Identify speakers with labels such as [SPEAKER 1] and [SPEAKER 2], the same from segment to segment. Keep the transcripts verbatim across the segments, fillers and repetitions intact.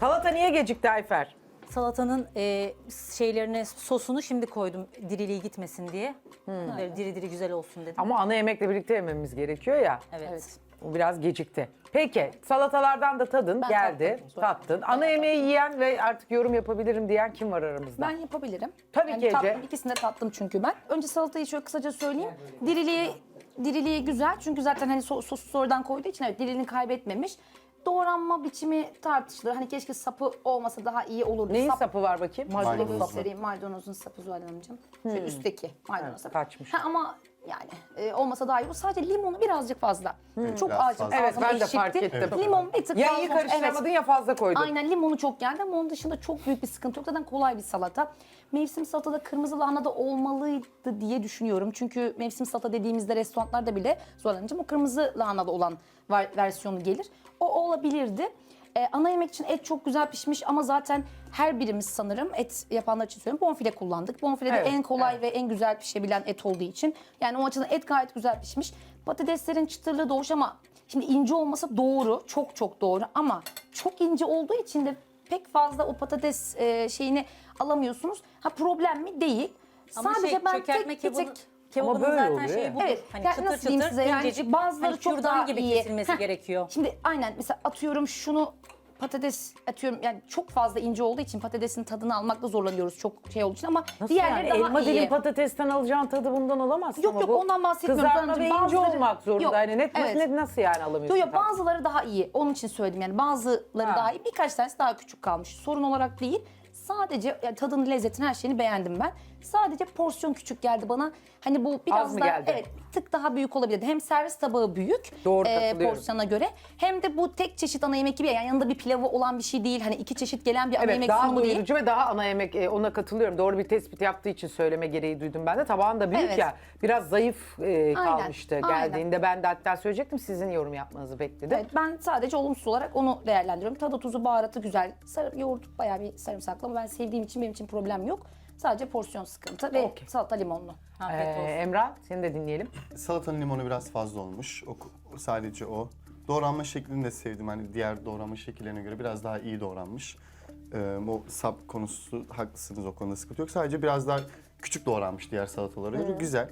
[SPEAKER 1] Salata niye gecikti Ayfer?
[SPEAKER 2] Salatanın e, şeylerine sosunu şimdi koydum diriliği gitmesin diye. Böyle diri diri güzel olsun dedim.
[SPEAKER 1] Ama ana yemekle birlikte yememiz gerekiyor ya.
[SPEAKER 2] Evet.
[SPEAKER 3] Evet.
[SPEAKER 1] O biraz gecikti. Peki salatalardan da tadın
[SPEAKER 3] Ben
[SPEAKER 1] geldi.
[SPEAKER 3] tattım.
[SPEAKER 1] Tattın. Ana yemeği yiyen ve artık yorum yapabilirim diyen kim var aramızda?
[SPEAKER 3] Ben yapabilirim.
[SPEAKER 1] Tabii ki Ece.
[SPEAKER 3] tattım, İkisini de tattım çünkü ben. Önce salatayı şöyle kısaca söyleyeyim. Diriliği, diriliği güzel çünkü zaten hani so sosu sonradan koyduğu için evet diriliğini kaybetmemiş. Doğranma biçimi tartışılır. Hani keşke sapı olmasa daha iyi olurdu.
[SPEAKER 1] Neyin
[SPEAKER 3] Sap,
[SPEAKER 1] sapı var bakayım?
[SPEAKER 3] Şöyle
[SPEAKER 4] Maydanoz.
[SPEAKER 3] göstereyim. Maydanozun sapı Zuhal Hanımcığım. Şöyle üstteki maydanoz
[SPEAKER 1] Evet,
[SPEAKER 3] sapı.
[SPEAKER 1] kaçmış.
[SPEAKER 3] Ha, ama yani e, olmasa daha iyi olur. Sadece limonu birazcık fazla. Çok
[SPEAKER 4] Biraz
[SPEAKER 3] acı.
[SPEAKER 4] fazla.
[SPEAKER 1] Evet,
[SPEAKER 3] ağzıma
[SPEAKER 1] ben de
[SPEAKER 3] ekşitti.
[SPEAKER 1] fark ettim.
[SPEAKER 3] Limon bir tık
[SPEAKER 1] Ya
[SPEAKER 3] fazla.
[SPEAKER 1] iyi
[SPEAKER 3] Evet.
[SPEAKER 1] karıştıramadın ya fazla koydun.
[SPEAKER 3] Aynen limonu çok geldi ama onun dışında çok büyük bir sıkıntı yok. Zaten kolay bir salata. Mevsim salatada kırmızı lahana da olmalıydı diye düşünüyorum. Çünkü mevsim salata dediğimizde restoranlarda bile zorlanacağım. O kırmızı lahanada olan var- versiyonu gelir. O olabilirdi. Ee, ana yemek için et çok güzel pişmiş ama zaten her birimiz sanırım et yapanlar için söylüyorum bonfile kullandık. Bonfile de
[SPEAKER 1] Evet,
[SPEAKER 3] en kolay
[SPEAKER 1] evet.
[SPEAKER 3] ve en güzel pişebilen et olduğu için. Yani o açıdan et gayet güzel pişmiş. Patateslerin çıtırlığı doğuş ama şimdi ince olması doğru, çok çok doğru ama çok ince olduğu için de pek fazla o patates e, şeyini alamıyorsunuz. Ha problem mi? Değil.
[SPEAKER 2] Ama
[SPEAKER 3] Sadece
[SPEAKER 2] şey,
[SPEAKER 3] ben
[SPEAKER 2] çökertme
[SPEAKER 3] tek bir tek...
[SPEAKER 2] kebabı, kebabının
[SPEAKER 1] böyle
[SPEAKER 2] zaten
[SPEAKER 1] oluyor
[SPEAKER 2] şeyi
[SPEAKER 1] ya.
[SPEAKER 2] budur.
[SPEAKER 3] Evet,
[SPEAKER 2] Hani
[SPEAKER 3] yani
[SPEAKER 2] çıtır
[SPEAKER 3] nasıl diyeyim
[SPEAKER 2] çıtır,
[SPEAKER 3] size yani
[SPEAKER 2] incecik,
[SPEAKER 3] bazıları
[SPEAKER 2] hani
[SPEAKER 3] çok
[SPEAKER 2] kürdan
[SPEAKER 3] daha
[SPEAKER 2] gibi
[SPEAKER 3] iyi.
[SPEAKER 2] kesilmesi
[SPEAKER 3] Heh,
[SPEAKER 2] gerekiyor.
[SPEAKER 3] Şimdi aynen mesela atıyorum şunu patates atıyorum yani çok fazla ince olduğu için patatesin tadını almakta zorlanıyoruz çok şey olduğu için ama
[SPEAKER 1] Nasıl
[SPEAKER 3] diğerleri
[SPEAKER 1] yani?
[SPEAKER 3] daha
[SPEAKER 1] Elma
[SPEAKER 3] iyi.
[SPEAKER 1] dilim patatesten alacağın tadı bundan alamazsın
[SPEAKER 3] Yok
[SPEAKER 1] ama
[SPEAKER 3] yok
[SPEAKER 1] bu
[SPEAKER 3] ondan bahsetmiyorum.
[SPEAKER 1] Kızartma ve
[SPEAKER 3] Sadece
[SPEAKER 1] ince
[SPEAKER 3] bazıları-
[SPEAKER 1] olmak zorunda.
[SPEAKER 3] Yok,
[SPEAKER 1] Yani net,
[SPEAKER 3] evet.
[SPEAKER 1] net nasıl yani alamıyorsun?
[SPEAKER 3] Yok yok
[SPEAKER 1] tadı?
[SPEAKER 3] bazıları daha iyi. Onun için söyledim yani bazıları
[SPEAKER 1] Ha.
[SPEAKER 3] daha iyi. Birkaç tanesi daha küçük kalmış. Sorun olarak değil. Sadece yani tadını, lezzetini, her şeyini beğendim ben. Sadece porsiyon küçük geldi bana. Hani bu biraz
[SPEAKER 1] mı
[SPEAKER 3] daha
[SPEAKER 1] geldi?
[SPEAKER 3] evet bir tık daha büyük olabilirdi. Hem servis tabağı büyük
[SPEAKER 1] Doğru,
[SPEAKER 3] e,
[SPEAKER 1] katılıyorum.
[SPEAKER 3] porsiyona göre hem de bu tek çeşit ana yemek gibi yani yanında bir pilavı olan bir şey değil. Hani iki çeşit gelen bir ana
[SPEAKER 1] Evet
[SPEAKER 3] yemek
[SPEAKER 1] daha
[SPEAKER 3] sunumu değil.
[SPEAKER 1] doyurucu ve daha ana yemek e, ona katılıyorum. Doğru bir tespit yaptığı için söyleme gereği duydum ben de. Tabağın da büyük
[SPEAKER 3] Evet.
[SPEAKER 1] ya biraz zayıf e, kalmıştı
[SPEAKER 3] aynen.
[SPEAKER 1] geldiğinde. Ben de hatta söyleyecektim sizin yorum yapmanızı bekledim.
[SPEAKER 3] Evet, ben sadece olumsuz olarak onu değerlendiriyorum. Tadı, tuzu, baharatı güzel. Sarı, yoğurt bayağı bir sarımsaklı ama ben sevdiğim için benim için problem yok. Sadece porsiyon sıkıntı ve
[SPEAKER 1] Okey.
[SPEAKER 3] salata limonlu.
[SPEAKER 2] Afiyet
[SPEAKER 1] Ee,
[SPEAKER 2] olsun.
[SPEAKER 1] Emrah seni de dinleyelim.
[SPEAKER 4] Salatanın limonu biraz fazla olmuş. O, sadece o. Doğranma şeklini de sevdim. Hani diğer doğranma şekillerine göre biraz daha iyi doğranmış. Ee, o sap konusu haklısınız, o konuda sıkıntı yok. Sadece biraz daha küçük doğranmış diğer salatalara göre. Güzel.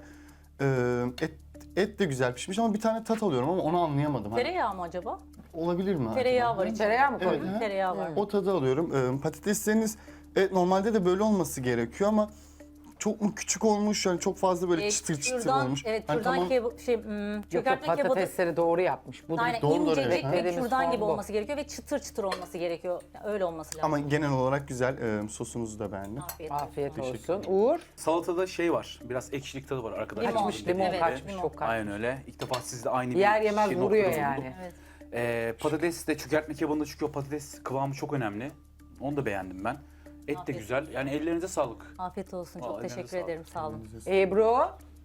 [SPEAKER 4] Ee, et, et de güzel pişmiş ama bir tane tat alıyorum ama onu anlayamadım. Hani
[SPEAKER 2] Tereyağı mı acaba?
[SPEAKER 4] olabilir mi?
[SPEAKER 2] Tereyağı
[SPEAKER 4] acaba?
[SPEAKER 2] var içinde.
[SPEAKER 1] Tereyağı mı
[SPEAKER 4] Evet,
[SPEAKER 1] koydun?
[SPEAKER 4] ha.
[SPEAKER 2] Tereyağı var.
[SPEAKER 4] O tadı alıyorum. Ee, patatesleriniz evet, normalde de böyle olması gerekiyor ama çok mu küçük olmuş yani çok fazla böyle
[SPEAKER 2] E,
[SPEAKER 4] çıtır çıtır
[SPEAKER 2] kürdan-
[SPEAKER 4] olmuş.
[SPEAKER 2] Evet,
[SPEAKER 4] Hani
[SPEAKER 2] kürdan
[SPEAKER 4] tamam,
[SPEAKER 2] kebabı, şey, hmm,
[SPEAKER 1] Yok yok
[SPEAKER 2] çökertme kebabı.
[SPEAKER 1] patatesleri doğru yapmış. Bu
[SPEAKER 2] Aynen
[SPEAKER 4] Doğru, doğru,
[SPEAKER 2] incecik
[SPEAKER 4] evet.
[SPEAKER 2] ve
[SPEAKER 1] Dediğimiz
[SPEAKER 2] kürdan gibi
[SPEAKER 1] form bu.
[SPEAKER 2] olması gerekiyor ve çıtır çıtır olması gerekiyor. Yani öyle olması lazım.
[SPEAKER 4] ama genel olarak güzel. Ee, sosunuzu da beğendim.
[SPEAKER 2] Afiyet olsun.
[SPEAKER 1] Afiyet
[SPEAKER 4] Teşekkür
[SPEAKER 1] olsun. Uğur
[SPEAKER 5] Salatada şey var, biraz ekşilik tadı var arkadaşlar.
[SPEAKER 2] Limon,
[SPEAKER 1] kaçmış limon
[SPEAKER 2] evet,
[SPEAKER 1] kaçmış
[SPEAKER 2] limon.
[SPEAKER 1] çok kaçmış.
[SPEAKER 5] Aynen öyle. İlk defa sizde aynı
[SPEAKER 1] Yer
[SPEAKER 5] bir
[SPEAKER 1] yemez
[SPEAKER 5] şey
[SPEAKER 1] vuruyor
[SPEAKER 5] noktada
[SPEAKER 1] yani.
[SPEAKER 5] buldum.
[SPEAKER 2] Evet.
[SPEAKER 5] Ee, patates de çökertme kebabında çünkü o patates kıvamı çok önemli. Onu da beğendim ben. Et de
[SPEAKER 2] Afiyet
[SPEAKER 5] güzel. Yani ellerinize sağlık.
[SPEAKER 2] Afiyet olsun. Çok
[SPEAKER 5] Vallahi
[SPEAKER 2] teşekkür
[SPEAKER 5] ellerinize sağlık.
[SPEAKER 2] ederim. Sağ olun.
[SPEAKER 1] Ebru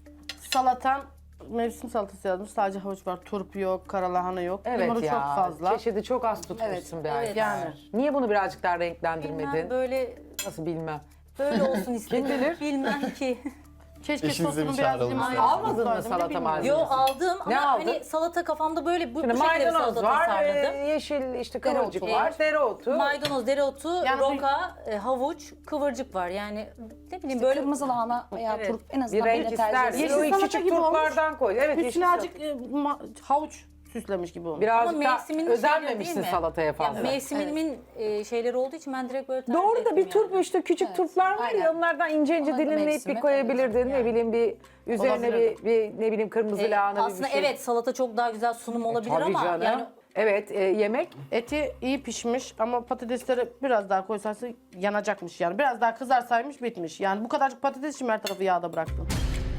[SPEAKER 6] Salatam mevsim salatası yazmış. Sadece havuç var. Turp yok, karalahana yok.
[SPEAKER 1] evet
[SPEAKER 6] Limonu
[SPEAKER 1] ya
[SPEAKER 6] çok fazla.
[SPEAKER 1] çeşidi çok az tutmuşsun be
[SPEAKER 2] Evet.
[SPEAKER 1] Ayfer.
[SPEAKER 6] Yani.
[SPEAKER 1] Niye bunu birazcık daha
[SPEAKER 2] Bilmem
[SPEAKER 1] renklendirmedin?
[SPEAKER 2] böyle
[SPEAKER 1] Nasıl bilmem.
[SPEAKER 2] böyle olsun istedim.
[SPEAKER 1] bilir?
[SPEAKER 2] Bilmem ki.
[SPEAKER 6] Keşke
[SPEAKER 4] Eşinize
[SPEAKER 6] sosunu
[SPEAKER 4] bir
[SPEAKER 6] biraz
[SPEAKER 4] çağıralım.
[SPEAKER 6] limon
[SPEAKER 4] Aynen.
[SPEAKER 1] Almadın mı
[SPEAKER 6] koysaydım,
[SPEAKER 1] salata
[SPEAKER 6] bilmiyorum.
[SPEAKER 1] malzemesi?
[SPEAKER 2] Yo aldım ama
[SPEAKER 1] Ne aldın?
[SPEAKER 2] hani salata kafamda böyle bu,
[SPEAKER 1] Şimdi
[SPEAKER 2] bu şekilde bir
[SPEAKER 1] maydanoz
[SPEAKER 2] salata
[SPEAKER 1] var,
[SPEAKER 2] tasarladım.
[SPEAKER 1] e, yeşil işte kıvırcık
[SPEAKER 3] Dereotu.
[SPEAKER 1] var, dereotu.
[SPEAKER 2] Maydanoz, dereotu,
[SPEAKER 6] Yani
[SPEAKER 2] roka, e, havuç, kıvırcık var. Yani ne bileyim
[SPEAKER 3] Böyle
[SPEAKER 2] böyle
[SPEAKER 3] kırmızı lahana veya
[SPEAKER 2] Evet.
[SPEAKER 3] turp en
[SPEAKER 1] Bir
[SPEAKER 3] azından
[SPEAKER 1] renk
[SPEAKER 3] böyle tercih
[SPEAKER 1] ister.
[SPEAKER 3] ediyorum.
[SPEAKER 6] Yeşil
[SPEAKER 1] O
[SPEAKER 6] salata
[SPEAKER 1] küçük
[SPEAKER 6] gibi olmuş.
[SPEAKER 1] turplardan koy. Evet yeşil
[SPEAKER 6] Üstüne
[SPEAKER 1] salata.
[SPEAKER 6] azıcık e, ma- havuç süslemiş gibi olmuş.
[SPEAKER 1] Birazcık
[SPEAKER 2] ama
[SPEAKER 1] da
[SPEAKER 2] mevsiminin şeyleri
[SPEAKER 1] özenmemişsin
[SPEAKER 2] değil mi?
[SPEAKER 1] salataya
[SPEAKER 2] Ya
[SPEAKER 1] fazla.
[SPEAKER 2] mevsimimin e, şeyleri olduğu için ben direkt böyle tercih
[SPEAKER 1] Doğru da
[SPEAKER 2] ettim
[SPEAKER 1] bir turp
[SPEAKER 2] yani.
[SPEAKER 1] işte küçük
[SPEAKER 3] Evet,
[SPEAKER 1] turplar var ya
[SPEAKER 3] aynen.
[SPEAKER 1] onlardan ince ince
[SPEAKER 3] Onlar da
[SPEAKER 1] dilimleyip
[SPEAKER 3] mevsimi,
[SPEAKER 1] bir koyabilirdin.
[SPEAKER 2] evet,
[SPEAKER 1] Ne
[SPEAKER 2] yani.
[SPEAKER 1] bileyim bir üzerine bir,
[SPEAKER 6] Olabilirdi.
[SPEAKER 1] bir ne bileyim kırmızı
[SPEAKER 2] E,
[SPEAKER 1] lahana bir
[SPEAKER 2] aslında
[SPEAKER 1] bir şey.
[SPEAKER 2] evet salata çok daha güzel sunum olabilir
[SPEAKER 1] Tabii
[SPEAKER 2] ama
[SPEAKER 1] canım.
[SPEAKER 2] yani
[SPEAKER 1] Evet e, yemek
[SPEAKER 6] Eti iyi pişmiş ama patatesleri biraz daha koysaydı yanacakmış yani. Biraz daha kızarsaymış bitmiş. Yani bu kadarcık patates için her tarafı yağda bıraktım.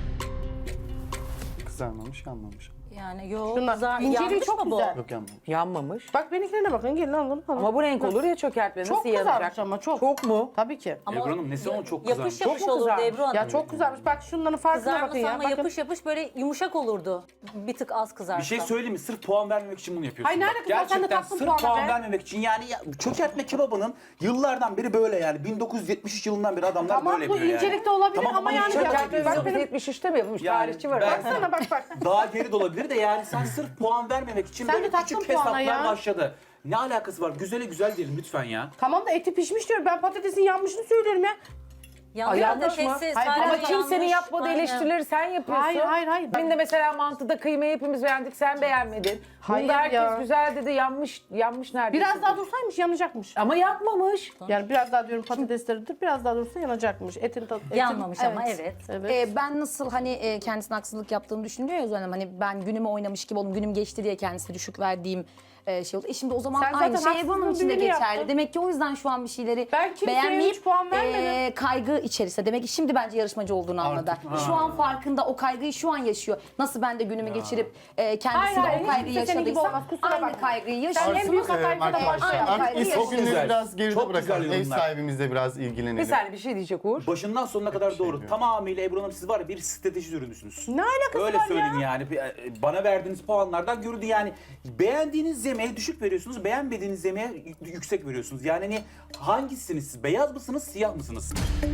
[SPEAKER 4] Kızarmamış, yanmamış.
[SPEAKER 2] yani yok
[SPEAKER 6] Şunlar
[SPEAKER 2] kızar,
[SPEAKER 6] inceliği
[SPEAKER 2] yanmış
[SPEAKER 6] çok
[SPEAKER 2] mı bu?
[SPEAKER 6] güzel.
[SPEAKER 4] Yok, yanmamış.
[SPEAKER 1] yanmamış.
[SPEAKER 6] Bak benimkilerine bakın gelin alın alın.
[SPEAKER 1] Ama bu renk olur ya çökertme
[SPEAKER 6] Çok
[SPEAKER 1] nasıl
[SPEAKER 6] kızarmış
[SPEAKER 1] yanacak?
[SPEAKER 6] ama çok.
[SPEAKER 1] Çok mu?
[SPEAKER 6] Tabii ki.
[SPEAKER 2] Ama
[SPEAKER 5] Ebru Hanım nesi onun çok
[SPEAKER 2] yapış
[SPEAKER 5] kızarmış?
[SPEAKER 2] yapış
[SPEAKER 1] Çok mu
[SPEAKER 2] olurdu
[SPEAKER 1] kızarmış?
[SPEAKER 2] Ebru Hanım.
[SPEAKER 6] Ya çok kızarmış. Bak şunların farkına bakın
[SPEAKER 2] Kızarması
[SPEAKER 6] ya.
[SPEAKER 2] ama
[SPEAKER 6] Bakın.
[SPEAKER 2] yapış yapış böyle yumuşak olurdu. Bir tık az kızarsa.
[SPEAKER 5] Bir şey söyleyeyim mi? Sırf puan vermemek için bunu yapıyorsun.
[SPEAKER 6] Hayır,
[SPEAKER 5] Bak,
[SPEAKER 6] nerede kızar? Sen de
[SPEAKER 5] gerçekten
[SPEAKER 6] taktın
[SPEAKER 5] sırf
[SPEAKER 6] puana
[SPEAKER 5] puan
[SPEAKER 6] be.
[SPEAKER 5] vermemek için. Yani ya, çökertme kebabının yıllardan beri böyle yani. bin dokuz yüz yetmiş üç yılından beri adamlar
[SPEAKER 6] Tamam,
[SPEAKER 5] böyle
[SPEAKER 6] bu
[SPEAKER 5] yapıyor yani.
[SPEAKER 6] incelikte olabilir ama yani
[SPEAKER 5] incelik
[SPEAKER 6] ya-
[SPEAKER 5] yapıyor.
[SPEAKER 6] bak
[SPEAKER 1] Bak
[SPEAKER 6] benim-
[SPEAKER 1] yetmiş üçte mi yapılmış?
[SPEAKER 5] Yani
[SPEAKER 1] Tarihçi var.
[SPEAKER 5] ben-
[SPEAKER 1] arada.
[SPEAKER 6] Baksana bak bak.
[SPEAKER 5] Daha geri de olabilir de yani sen sırf puan vermemek için
[SPEAKER 6] Sen de
[SPEAKER 5] böyle
[SPEAKER 6] taktın
[SPEAKER 5] küçük
[SPEAKER 6] puana
[SPEAKER 5] hesaplar
[SPEAKER 6] ya.
[SPEAKER 5] başladı. Ne alakası var? Güzele güzel diyelim lütfen ya.
[SPEAKER 6] Tamam da eti pişmiş diyorum. Ben patatesin yanmışını söylüyorum ya.
[SPEAKER 2] Yanlış
[SPEAKER 1] yanlış mı?
[SPEAKER 2] patatesi
[SPEAKER 6] Hayır,
[SPEAKER 2] sadece
[SPEAKER 1] Ama kimsenin
[SPEAKER 2] yanlış.
[SPEAKER 1] yapmadığı
[SPEAKER 2] Aynen.
[SPEAKER 1] eleştirileri sen yapıyorsun.
[SPEAKER 6] Hayır, hayır, hayır.
[SPEAKER 1] Benim de mesela mantıda kıymayı hepimiz beğendik, sen beğenmedin.
[SPEAKER 6] Hayır
[SPEAKER 1] Bunda herkes
[SPEAKER 6] ya.
[SPEAKER 1] güzel dedi, yanmış, yanmış neredeyse.
[SPEAKER 6] Biraz daha dursaymış yanacakmış.
[SPEAKER 1] Ama yapmamış.
[SPEAKER 6] Yani biraz daha diyorum patatesleri dur, biraz daha dursa yanacakmış. Etin tadı. etin-
[SPEAKER 2] Yanmamış ama
[SPEAKER 3] Evet.
[SPEAKER 2] evet.
[SPEAKER 6] Evet.
[SPEAKER 3] Ee, ben nasıl hani e, kendisine haksızlık yaptığını düşünüyor ya Özlem Hanım. Hani ben günümü oynamış gibi oldum, günüm geçti diye kendisine düşük verdiğim e, şey oldu. E şimdi o zaman
[SPEAKER 6] Sen
[SPEAKER 3] aynı
[SPEAKER 6] zaten
[SPEAKER 3] şey Ebru Hanım
[SPEAKER 6] haksızlığın
[SPEAKER 3] için de
[SPEAKER 6] birini
[SPEAKER 3] geçerli.
[SPEAKER 6] yaptın.
[SPEAKER 3] Demek ki o yüzden şu an bir şeyleri
[SPEAKER 6] Ben kimseye
[SPEAKER 3] beğenmeyip
[SPEAKER 6] üç puan vermedim.
[SPEAKER 3] e, kaygı içerisinde. Demek ki şimdi bence yarışmacı olduğunu anladı. Şu an farkında, o kaygıyı şu an yaşıyor. Nasıl ben de günümü geçirip e, kendisi
[SPEAKER 6] Hayır,
[SPEAKER 3] de
[SPEAKER 6] hayır,
[SPEAKER 3] o kaygıyı
[SPEAKER 6] hiç kimse senin gibi
[SPEAKER 3] yaşadıysa
[SPEAKER 6] olmaz, kusura
[SPEAKER 3] aynı
[SPEAKER 6] bakma.
[SPEAKER 3] kaygıyı
[SPEAKER 6] Sen en
[SPEAKER 3] yaşıyorsun.
[SPEAKER 6] büyük hatayı da
[SPEAKER 4] Arkadaşlar
[SPEAKER 6] başlayalım.
[SPEAKER 4] artık
[SPEAKER 3] Kaygı
[SPEAKER 4] o
[SPEAKER 3] yaşıyoruz.
[SPEAKER 4] günleri
[SPEAKER 5] Güzel.
[SPEAKER 4] biraz geride
[SPEAKER 5] Çok güzel
[SPEAKER 4] bırakalım. Ev
[SPEAKER 5] yorumlar.
[SPEAKER 4] sahibimizle biraz ilgilenelim.
[SPEAKER 1] Bir saniye bir şey diyecek Uğur.
[SPEAKER 5] Başından sonuna kadar
[SPEAKER 4] şey
[SPEAKER 5] doğru.
[SPEAKER 4] diyor.
[SPEAKER 5] Tamamıyla Ebru Hanım siz var ya bir strateji ürünüsünüz.
[SPEAKER 6] Ne alakası
[SPEAKER 5] Öyle
[SPEAKER 6] var
[SPEAKER 5] söyleyeyim
[SPEAKER 6] ya?
[SPEAKER 5] yani. Bir- e, Bana verdiğiniz puanlardan görüldü yani. Beğendiğiniz yemeğe düşük veriyorsunuz, beğenmediğiniz yemeğe y- yüksek veriyorsunuz. Yani hani hangisiniz siz? Beyaz mısınız, siyah mısınız?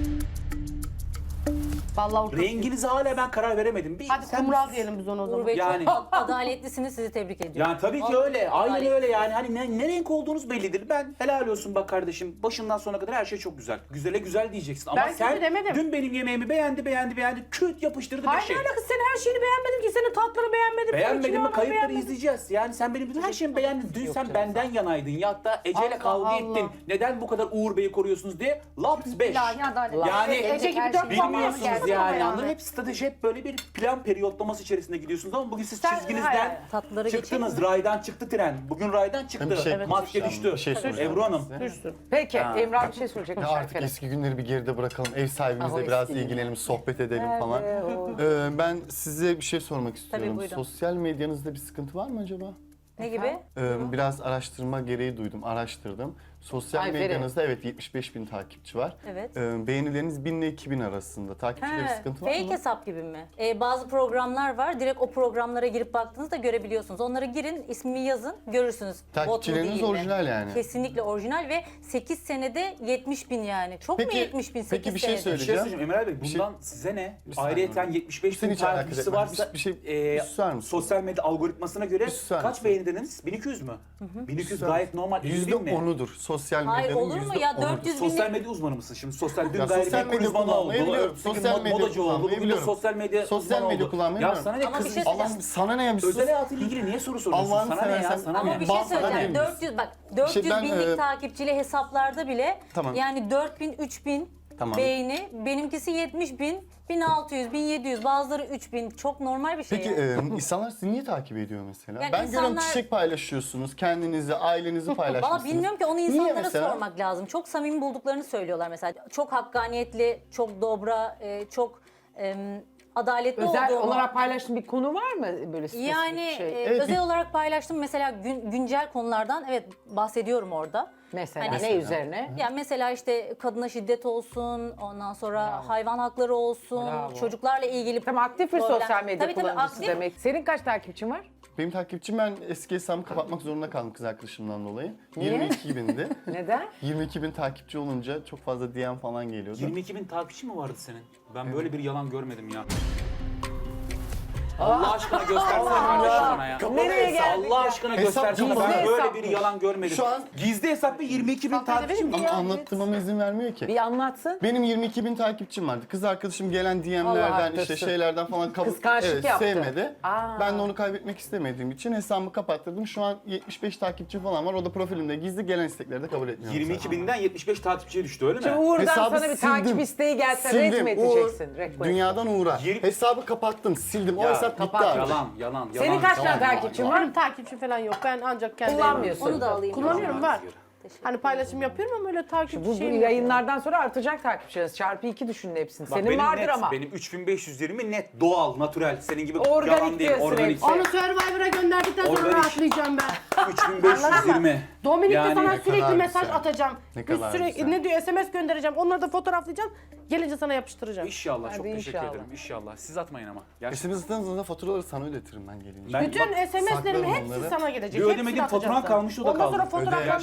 [SPEAKER 6] Vallahi ortak.
[SPEAKER 5] Renginize hala ben karar veremedim. Bir,
[SPEAKER 6] Hadi
[SPEAKER 5] sen-
[SPEAKER 6] kumral diyelim biz ona o
[SPEAKER 2] Uğur
[SPEAKER 6] zaman.
[SPEAKER 2] Bey
[SPEAKER 5] Yani-
[SPEAKER 2] çok adaletlisiniz, sizi tebrik ediyorum.
[SPEAKER 5] Yani tabii ki öyle. Aynen öyle yani. Hani ne, ne renk olduğunuz bellidir. Ben helal olsun bak kardeşim. Başından sona kadar her şey çok güzel. Güzele güzel diyeceksin. Ama
[SPEAKER 6] Ben
[SPEAKER 5] sen
[SPEAKER 6] kötü demedim.
[SPEAKER 5] dün benim yemeğimi beğendi, beğendi, beğendi. Küt yapıştırdı
[SPEAKER 6] Hayır
[SPEAKER 5] bir şey.
[SPEAKER 6] ne alakası, senin her şeyini beğenmedim ki, senin tatlarını beğenmedim. senin
[SPEAKER 5] Beğenmedin mi?
[SPEAKER 6] kilonu
[SPEAKER 5] Kayıpları
[SPEAKER 6] beğenmedim.
[SPEAKER 5] izleyeceğiz. Yani sen benim bütün her şeyimi beğendin. Dün sen benden yanaydın. Ya hatta Ece'yle
[SPEAKER 6] Allah
[SPEAKER 5] kavga
[SPEAKER 6] Allah.
[SPEAKER 5] ettin. Neden bu kadar Uğur Bey'i koruyorsunuz diye. Laps beş.
[SPEAKER 3] İlahi adalet.
[SPEAKER 5] Yani
[SPEAKER 6] Ece gibi
[SPEAKER 3] Her
[SPEAKER 6] dört
[SPEAKER 3] şey
[SPEAKER 6] puan
[SPEAKER 3] bilmiyorsunuz
[SPEAKER 6] geldi
[SPEAKER 5] Bilmiyorsunuz
[SPEAKER 6] ama
[SPEAKER 5] yani.
[SPEAKER 6] yani.
[SPEAKER 5] Anladın? Hep strateji, hep böyle bir plan periyotlaması içerisinde gidiyorsunuz ama bugün siz
[SPEAKER 6] Sen-
[SPEAKER 5] çizginizden
[SPEAKER 6] hayır, hayır.
[SPEAKER 2] Tatlıları
[SPEAKER 5] çıktınız. Raydan çıktı tren. Bugün raydan çıktı.
[SPEAKER 4] Bir şey-
[SPEAKER 5] Maske
[SPEAKER 4] Evet.
[SPEAKER 5] düştü.
[SPEAKER 4] Bir şey soracağım
[SPEAKER 5] Ebru Hanım.
[SPEAKER 4] size.
[SPEAKER 6] Düşsün.
[SPEAKER 1] Peki
[SPEAKER 5] Ha.
[SPEAKER 1] Emrah bir şey söyleyecek.
[SPEAKER 4] Ya artık eski günleri bir geride bırakalım. Ev
[SPEAKER 1] Ah, o
[SPEAKER 4] sahibimizle biraz
[SPEAKER 1] eski
[SPEAKER 4] ilgilenelim, sohbet edelim falan. Ee, ben size bir şey sormak istiyorum.
[SPEAKER 2] buyurun.
[SPEAKER 4] Sosyal medyanızda bir sıkıntı var mı acaba?
[SPEAKER 2] Ne gibi?
[SPEAKER 4] Ee, biraz araştırma gereği duydum, araştırdım. Sosyal
[SPEAKER 1] Ay,
[SPEAKER 4] medyanızda evet yetmiş beş bin takipçi var.
[SPEAKER 2] Evet.
[SPEAKER 4] Ee, beğenileriniz bin ile iki bin arasında. Takipçide bir
[SPEAKER 2] He,
[SPEAKER 4] sıkıntı var
[SPEAKER 2] fake
[SPEAKER 4] mı?
[SPEAKER 2] hesap gibi mi? Ee, bazı programlar var. Direkt o programlara girip baktığınızda görebiliyorsunuz. Onlara girin, ismini yazın, görürsünüz. Bot mu
[SPEAKER 4] Takipçileriniz
[SPEAKER 2] değil mi?
[SPEAKER 4] orijinal yani.
[SPEAKER 2] Kesinlikle orijinal ve sekiz senede yetmiş bin yani. Çok mu
[SPEAKER 4] Peki-
[SPEAKER 2] yetmiş bin sekiz
[SPEAKER 4] peki bir şey
[SPEAKER 2] senede?
[SPEAKER 5] Bir şey
[SPEAKER 4] söyleyeceğim.
[SPEAKER 5] söyleyeceğim Emel Bey,
[SPEAKER 4] Bir şey-
[SPEAKER 5] bundan size ne?
[SPEAKER 4] Bir saniye.
[SPEAKER 5] Ayrıyeten yetmiş beş
[SPEAKER 4] Seni
[SPEAKER 5] bin
[SPEAKER 4] hiç alakadar
[SPEAKER 5] takipçisi
[SPEAKER 4] etmez.
[SPEAKER 5] varsa
[SPEAKER 4] Bir- bir şey-
[SPEAKER 5] e,
[SPEAKER 4] bir susar mısın?
[SPEAKER 5] sosyal medya algoritmasına göre
[SPEAKER 4] Bir susar
[SPEAKER 5] kaç
[SPEAKER 4] mısın?
[SPEAKER 5] beğeni dediniz? bin iki yüz mü? bin iki yüz
[SPEAKER 4] Susar
[SPEAKER 5] gayet
[SPEAKER 4] mısın?
[SPEAKER 5] normal. elli
[SPEAKER 4] Yüzde
[SPEAKER 5] bin mi?
[SPEAKER 4] onudur. Sosyal
[SPEAKER 2] Hayır,
[SPEAKER 4] medyanın
[SPEAKER 2] olur mu
[SPEAKER 4] yüzde
[SPEAKER 2] ya?
[SPEAKER 4] onudur.
[SPEAKER 2] dört yüz bin
[SPEAKER 5] Sosyal medya uzmanı mısın şimdi? Sosyal dün
[SPEAKER 4] Ya
[SPEAKER 5] gayet
[SPEAKER 4] sosyal medya
[SPEAKER 5] uzmanı oldu.
[SPEAKER 4] kullanmayı biliyorum.
[SPEAKER 5] Bugün
[SPEAKER 4] Sosyal
[SPEAKER 5] mod-
[SPEAKER 4] medya
[SPEAKER 5] modacı oldu.
[SPEAKER 4] kullanmayı
[SPEAKER 5] Bugün de
[SPEAKER 4] biliyorum.
[SPEAKER 5] sosyal medya
[SPEAKER 4] Sosyal
[SPEAKER 5] uzmanı
[SPEAKER 4] medya
[SPEAKER 5] oldu.
[SPEAKER 4] kullanmayı
[SPEAKER 5] Ya
[SPEAKER 4] biliyorum.
[SPEAKER 5] sana ne
[SPEAKER 2] Ama bir
[SPEAKER 5] kızın?
[SPEAKER 2] şey
[SPEAKER 5] Allah
[SPEAKER 2] söyleyeceğim.
[SPEAKER 4] Sana ne ya bir sus.
[SPEAKER 5] özel hayatıyla ilgili niye soru soruyorsun?
[SPEAKER 4] Allah'ını
[SPEAKER 5] Sana ne ya?
[SPEAKER 4] seversen-
[SPEAKER 5] Sana
[SPEAKER 2] Ama
[SPEAKER 5] ne?
[SPEAKER 2] bir şey
[SPEAKER 4] Bana
[SPEAKER 2] söyleyeceğim.
[SPEAKER 4] değil
[SPEAKER 2] dört yüz bak dört yüz
[SPEAKER 4] ben,
[SPEAKER 2] binlik
[SPEAKER 4] e,
[SPEAKER 2] takipçili hesaplarda bile
[SPEAKER 4] Tamam.
[SPEAKER 2] yani dört bin, üç bin
[SPEAKER 4] Tamam.
[SPEAKER 2] beğeni. Benimkisi yetmiş bin, bin altı yüz, bin yedi yüz, bazıları üç bin. Çok normal bir şey.
[SPEAKER 4] Peki
[SPEAKER 2] yani.
[SPEAKER 4] e, insanlar sizi niye takip ediyor mesela?
[SPEAKER 2] Yani
[SPEAKER 4] ben görüyorum
[SPEAKER 2] insanlar-
[SPEAKER 4] çiçek paylaşıyorsunuz, kendinizi, ailenizi paylaşmışsınız.
[SPEAKER 2] Valla bilmiyorum ki onu
[SPEAKER 4] Niye
[SPEAKER 2] insanlara
[SPEAKER 4] mesela?
[SPEAKER 2] sormak lazım. Çok samimi bulduklarını söylüyorlar mesela. Çok hakkaniyetli, çok dobra, e, çok e, adaletli
[SPEAKER 1] Özel
[SPEAKER 2] olduğumu.
[SPEAKER 1] olarak paylaştığın bir konu var mı böyle spesifik
[SPEAKER 2] Yani
[SPEAKER 1] şey?
[SPEAKER 2] e,
[SPEAKER 4] Evet,
[SPEAKER 2] özel
[SPEAKER 4] bir-
[SPEAKER 2] olarak paylaştım mesela gün- güncel konulardan evet bahsediyorum orada.
[SPEAKER 1] Mesela
[SPEAKER 2] Hani-
[SPEAKER 1] ne üzerine?
[SPEAKER 2] Yani mesela işte kadına şiddet olsun, ondan sonra hayvan hakları olsun,
[SPEAKER 1] Bravo.
[SPEAKER 2] çocuklarla ilgili
[SPEAKER 1] Tamam, aktif bir
[SPEAKER 2] problem-
[SPEAKER 1] sosyal medya
[SPEAKER 2] Tabii, tabii,
[SPEAKER 1] kullanıcısı
[SPEAKER 2] aktif.
[SPEAKER 1] demek. Senin kaç takipçin var?
[SPEAKER 4] Benim takipçim ben eski hesabımı kapatmak zorunda kaldım kız arkadaşımdan dolayı.
[SPEAKER 1] Niye?
[SPEAKER 4] yirmi iki bindi.
[SPEAKER 1] Neden?
[SPEAKER 4] yirmi iki bin takipçi olunca çok fazla D M falan geliyordu.
[SPEAKER 5] yirmi iki bin takipçi mi vardı senin? Ben böyle bir yalan görmedim ya. Allah aşkına göstersene kardeşim bana ya.
[SPEAKER 1] Nereye geldik
[SPEAKER 5] Allah
[SPEAKER 1] ya?
[SPEAKER 5] aşkına
[SPEAKER 4] Hesap
[SPEAKER 5] göstersene.
[SPEAKER 4] gizli
[SPEAKER 5] Ben böyle
[SPEAKER 1] hesapmış.
[SPEAKER 5] bir yalan görmedim.
[SPEAKER 4] Şu an-
[SPEAKER 5] Gizli hesap ve yirmi iki bin takipçi mi?
[SPEAKER 4] Ama anlattırmama izin vermiyor ki.
[SPEAKER 1] Bir anlatsın.
[SPEAKER 4] Benim yirmi iki bin takipçim vardı. Kız arkadaşım gelen D
[SPEAKER 1] Allah
[SPEAKER 4] M'lerden işte
[SPEAKER 1] arttırsın.
[SPEAKER 4] şeylerden falan kabul
[SPEAKER 1] Kıskançlık
[SPEAKER 4] evet,
[SPEAKER 1] yaptı.
[SPEAKER 4] sevmedi.
[SPEAKER 1] Aa.
[SPEAKER 4] Ben de onu kaybetmek istemediğim için hesabımı kapattırdım. Şu an yetmiş beş takipçim falan var. O da profilimde gizli, gelen istekleri de kabul etmiyorum.
[SPEAKER 5] yirmi iki binden yetmiş beş takipçiye düştü öyle mi?
[SPEAKER 1] Şimdi Uğur'dan
[SPEAKER 4] Hesabı
[SPEAKER 1] sana bir
[SPEAKER 4] sildim.
[SPEAKER 1] takip isteği gelse red
[SPEAKER 4] Sildim.
[SPEAKER 1] mi edeceksin?
[SPEAKER 4] Uğur,
[SPEAKER 1] Request.
[SPEAKER 4] dünyadan Uğur'a.
[SPEAKER 5] Yirmi-
[SPEAKER 4] Hesabı kapattım, sildim. O
[SPEAKER 5] Ya,
[SPEAKER 4] hesap bitti
[SPEAKER 1] kapat.
[SPEAKER 4] artık.
[SPEAKER 5] Yalan, yalan, yalan.
[SPEAKER 1] Senin kaç tane
[SPEAKER 5] yalan,
[SPEAKER 1] takipçin
[SPEAKER 5] yalan.
[SPEAKER 1] var?
[SPEAKER 6] Benim takipçim falan yok. Ben ancak kendi
[SPEAKER 1] Kullanmıyorsun.
[SPEAKER 2] Onu da alayım.
[SPEAKER 6] Kullanıyorum, var.
[SPEAKER 2] Teşekkür
[SPEAKER 6] Hani paylaşım yapıyorum ama öyle takipçi
[SPEAKER 1] Bu, bu
[SPEAKER 6] şeyim yok.
[SPEAKER 1] yayınlardan sonra artacak takipçileriniz. Çarpı iki düşünün hepsini.
[SPEAKER 5] Bak
[SPEAKER 1] Senin
[SPEAKER 5] benim
[SPEAKER 1] vardır
[SPEAKER 5] net,
[SPEAKER 1] ama.
[SPEAKER 5] Benim üç bin beş yüz yirmi net, doğal, natürel. Senin gibi
[SPEAKER 1] Organik
[SPEAKER 5] yalan değil,
[SPEAKER 1] diyorsun
[SPEAKER 5] organik.
[SPEAKER 1] hepsi.
[SPEAKER 6] Onu Survivor'a gönderdikten sonra
[SPEAKER 5] Organik.
[SPEAKER 6] rahatlayacağım ben.
[SPEAKER 5] üç bin beş yüz yirmi.
[SPEAKER 6] Dominik'te
[SPEAKER 5] Yani-
[SPEAKER 6] sana
[SPEAKER 4] Ne
[SPEAKER 6] sürekli
[SPEAKER 4] kadar
[SPEAKER 6] mesaj
[SPEAKER 4] güzel.
[SPEAKER 6] atacağım.
[SPEAKER 4] Ne
[SPEAKER 6] Biz
[SPEAKER 4] kadar
[SPEAKER 6] sürekli
[SPEAKER 4] güzel.
[SPEAKER 6] ne diyor S M S göndereceğim. Onları da fotoğraflayacağım. Gelince sana yapıştıracağım.
[SPEAKER 5] İnşallah,
[SPEAKER 1] Hadi
[SPEAKER 5] çok teşekkür
[SPEAKER 1] inşallah.
[SPEAKER 5] ederim. İnşallah. Siz atmayın ama. Gerçekten.
[SPEAKER 4] S M S'den da faturaları sana ödetirim ben gelince.
[SPEAKER 5] Ben-
[SPEAKER 6] Bütün
[SPEAKER 5] bak,
[SPEAKER 6] S M S'lerim
[SPEAKER 4] saklarım
[SPEAKER 6] hepsi
[SPEAKER 4] onları.
[SPEAKER 6] sana gelecek.
[SPEAKER 5] Bir
[SPEAKER 6] Hepsini
[SPEAKER 5] ödemediğim
[SPEAKER 6] atacağım
[SPEAKER 5] faturan
[SPEAKER 6] sana.
[SPEAKER 5] kalmış, o da
[SPEAKER 6] Ondan sonra
[SPEAKER 5] kaldı.
[SPEAKER 4] Öde.
[SPEAKER 6] fotoğraflandıracağım.
[SPEAKER 4] Ne olmuş?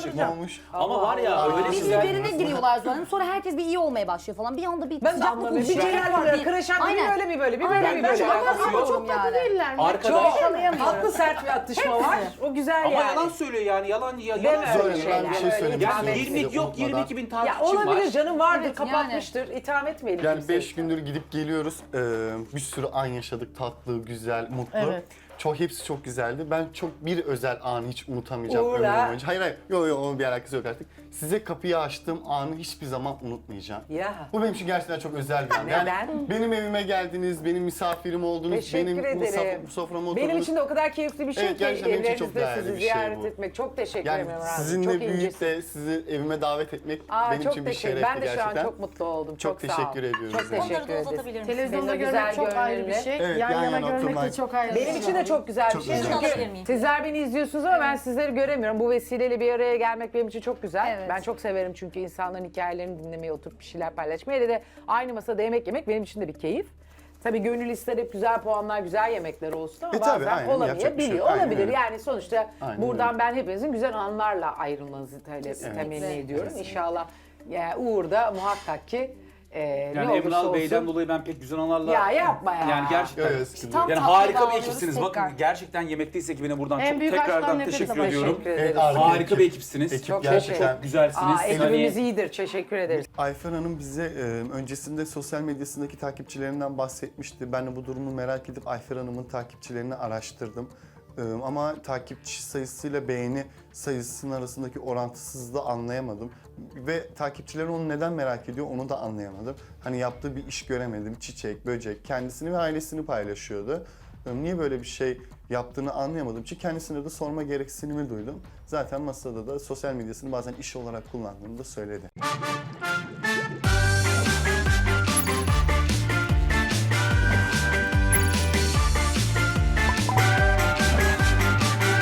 [SPEAKER 4] olmuş.
[SPEAKER 5] Ama var ya
[SPEAKER 1] Allah.
[SPEAKER 5] öyle
[SPEAKER 3] Bir
[SPEAKER 5] güzel.
[SPEAKER 3] birbirine giriyorlar zaten. Sonra herkes bir iyi olmaya başlıyor falan. Bir anda bir
[SPEAKER 1] Ben de
[SPEAKER 3] sıcaklık
[SPEAKER 1] anlamıyorum. Bir
[SPEAKER 3] oluşuyor.
[SPEAKER 1] Celal böyle kıraşan bir
[SPEAKER 3] Aynen.
[SPEAKER 1] böyle bir böyle bir böyle
[SPEAKER 3] Aynen.
[SPEAKER 1] bir
[SPEAKER 3] Ben
[SPEAKER 1] böyle.
[SPEAKER 3] çok
[SPEAKER 5] alakası
[SPEAKER 6] Ama
[SPEAKER 5] yok.
[SPEAKER 6] çok tatlı
[SPEAKER 3] yani.
[SPEAKER 6] değiller mi?
[SPEAKER 5] Arkadaş
[SPEAKER 1] Haklı sert bir atışma var. O güzel
[SPEAKER 5] ama
[SPEAKER 1] yani.
[SPEAKER 5] yalan söylüyor yani yalan ya,
[SPEAKER 1] Deme
[SPEAKER 5] yalan
[SPEAKER 1] öyle
[SPEAKER 5] söylüyor.
[SPEAKER 4] Zoe, ben bir şey
[SPEAKER 1] şeyler,
[SPEAKER 4] söylemek
[SPEAKER 1] öyle
[SPEAKER 5] Yani
[SPEAKER 1] itham
[SPEAKER 4] istiyorum.
[SPEAKER 5] yirmi yok yirmi iki bin
[SPEAKER 1] Ya
[SPEAKER 5] takipçim var.
[SPEAKER 1] olabilir canım vardır
[SPEAKER 3] Evet,
[SPEAKER 1] kapatmıştır. İtham etmeyelim.
[SPEAKER 4] Yani
[SPEAKER 1] kimseyi.
[SPEAKER 4] beş gündür gidip geliyoruz. Ee, bir sürü an yaşadık. Tatlı, güzel, mutlu.
[SPEAKER 6] Evet.
[SPEAKER 4] Çok hepsi çok güzeldi. Ben çok bir özel anı hiç unutamayacağım
[SPEAKER 1] Uğur'la-
[SPEAKER 4] ömrüm boyunca. Hayır hayır. Yok yok onun bir alakası yok artık. Size kapıyı açtığım anı hiçbir zaman unutmayacağım.
[SPEAKER 1] Ya.
[SPEAKER 4] Bu benim için gerçekten çok özel bir an. Yani
[SPEAKER 1] Neden?
[SPEAKER 4] benim evime geldiniz, benim misafirim oldunuz,
[SPEAKER 1] Teşekkür
[SPEAKER 4] benim
[SPEAKER 1] ederim.
[SPEAKER 4] musaf- soframa oturdunuz.
[SPEAKER 1] Benim için de o kadar keyifli bir şey
[SPEAKER 4] Evet,
[SPEAKER 1] ki
[SPEAKER 4] gerçekten benim için çok
[SPEAKER 1] evlerinizde
[SPEAKER 4] değerli
[SPEAKER 1] sizi
[SPEAKER 4] bir şey
[SPEAKER 1] ziyaret
[SPEAKER 4] bu.
[SPEAKER 1] etmek. Çok teşekkür
[SPEAKER 4] Yani
[SPEAKER 1] ederim Emre abi.
[SPEAKER 4] sizinle
[SPEAKER 1] Çok
[SPEAKER 4] büyüyüp
[SPEAKER 1] incesin.
[SPEAKER 4] de sizi evime davet etmek
[SPEAKER 1] Aa,
[SPEAKER 4] benim
[SPEAKER 1] çok
[SPEAKER 4] için bir
[SPEAKER 1] teşekkür.
[SPEAKER 4] şerefti
[SPEAKER 1] Ben de şu
[SPEAKER 4] gerçekten.
[SPEAKER 1] an çok mutlu oldum.
[SPEAKER 4] Çok
[SPEAKER 1] Çok, sağ ol.
[SPEAKER 4] teşekkür ediyoruz
[SPEAKER 1] Çok
[SPEAKER 4] yani.
[SPEAKER 1] teşekkür
[SPEAKER 2] Onları da
[SPEAKER 1] ederiz.
[SPEAKER 2] uzatabilir misiniz?
[SPEAKER 6] Televizyonda
[SPEAKER 1] Benim o
[SPEAKER 6] görmek
[SPEAKER 1] güzel
[SPEAKER 6] çok ayrı bir
[SPEAKER 1] görünümle.
[SPEAKER 6] şey.
[SPEAKER 4] Evet,
[SPEAKER 6] yan
[SPEAKER 4] yan
[SPEAKER 6] yana
[SPEAKER 4] yana
[SPEAKER 6] görmek de
[SPEAKER 4] oturmak.
[SPEAKER 6] çok ayrı bir
[SPEAKER 1] Benim
[SPEAKER 6] şey.
[SPEAKER 1] için de çok güzel bir
[SPEAKER 4] Çok
[SPEAKER 1] şey.
[SPEAKER 4] güzel.
[SPEAKER 1] Çünkü
[SPEAKER 2] Alabilir miyim?
[SPEAKER 1] sizler beni izliyorsunuz ama ben sizleri göremiyorum. Bu vesileyle bir araya gelmek benim için çok güzel.
[SPEAKER 3] Evet.
[SPEAKER 1] Ben çok severim çünkü insanların hikayelerini dinlemeyi, oturup bir şeyler paylaşmayı. Hele de aynı masada yemek yemek benim için de bir keyif. Tabii gönül ister hep güzel puanlar, güzel yemekler olsun ama
[SPEAKER 4] E tabii,
[SPEAKER 1] bazen
[SPEAKER 4] aynen, yapacak bir şey
[SPEAKER 1] olamayabiliyor.
[SPEAKER 4] yok. Aynen
[SPEAKER 1] Olabilir
[SPEAKER 4] öyle.
[SPEAKER 1] yani sonuçta
[SPEAKER 4] Aynen
[SPEAKER 1] buradan
[SPEAKER 4] öyle.
[SPEAKER 1] ben hepinizin güzel anlarla ayrılmanızı tale- temenni ediyorum. İnşallah yani Uğur da muhakkak ki e, ne
[SPEAKER 5] Yani
[SPEAKER 1] olursa
[SPEAKER 5] Emral
[SPEAKER 1] olsun.
[SPEAKER 5] Bey'den dolayı ben pek güzel anılarla...
[SPEAKER 1] Ya yapma ya.
[SPEAKER 5] Yani gerçekten.
[SPEAKER 4] Evet, sıkıntı
[SPEAKER 3] Tam
[SPEAKER 4] yok.
[SPEAKER 5] Yani
[SPEAKER 3] tatlı
[SPEAKER 5] harika bir
[SPEAKER 3] bağlıyoruz
[SPEAKER 5] ekipsiniz.
[SPEAKER 3] tekrar.
[SPEAKER 5] Bakın gerçekten Yemekteyiz ekibine buradan
[SPEAKER 6] En
[SPEAKER 5] çok
[SPEAKER 6] büyük aşktan
[SPEAKER 5] tekrardan
[SPEAKER 6] nefret
[SPEAKER 5] teşekkür
[SPEAKER 6] ederim.
[SPEAKER 5] ediyorum.
[SPEAKER 1] Teşekkür ederiz.
[SPEAKER 4] Evet, harika
[SPEAKER 5] Harika
[SPEAKER 4] ekip.
[SPEAKER 5] bir ekipsiniz.
[SPEAKER 4] Ekip
[SPEAKER 1] Çok
[SPEAKER 4] gerçekten.
[SPEAKER 5] Çok güzelsiniz.
[SPEAKER 1] Aa,
[SPEAKER 5] Hani-
[SPEAKER 1] ekibimiz iyidir. Teşekkür ederiz.
[SPEAKER 4] Ayfer Hanım bize e, öncesinde sosyal medyasındaki takipçilerinden bahsetmişti. Ben de bu durumu merak edip Ayfer Hanım'ın takipçilerini araştırdım. E, ama takipçi sayısıyla beğeni sayısının arasındaki orantısızlığı anlayamadım. Ve takipçileri onu neden merak ediyor onu da anlayamadım. Hani yaptığı bir iş göremedim. Çiçek, böcek, kendisini ve ailesini paylaşıyordu. E, niye böyle bir şey yaptığını anlayamadım. Çünkü kendisine de sorma gereksinimi duydum. Zaten masada da sosyal medyasını bazen iş olarak kullandığını da söyledi.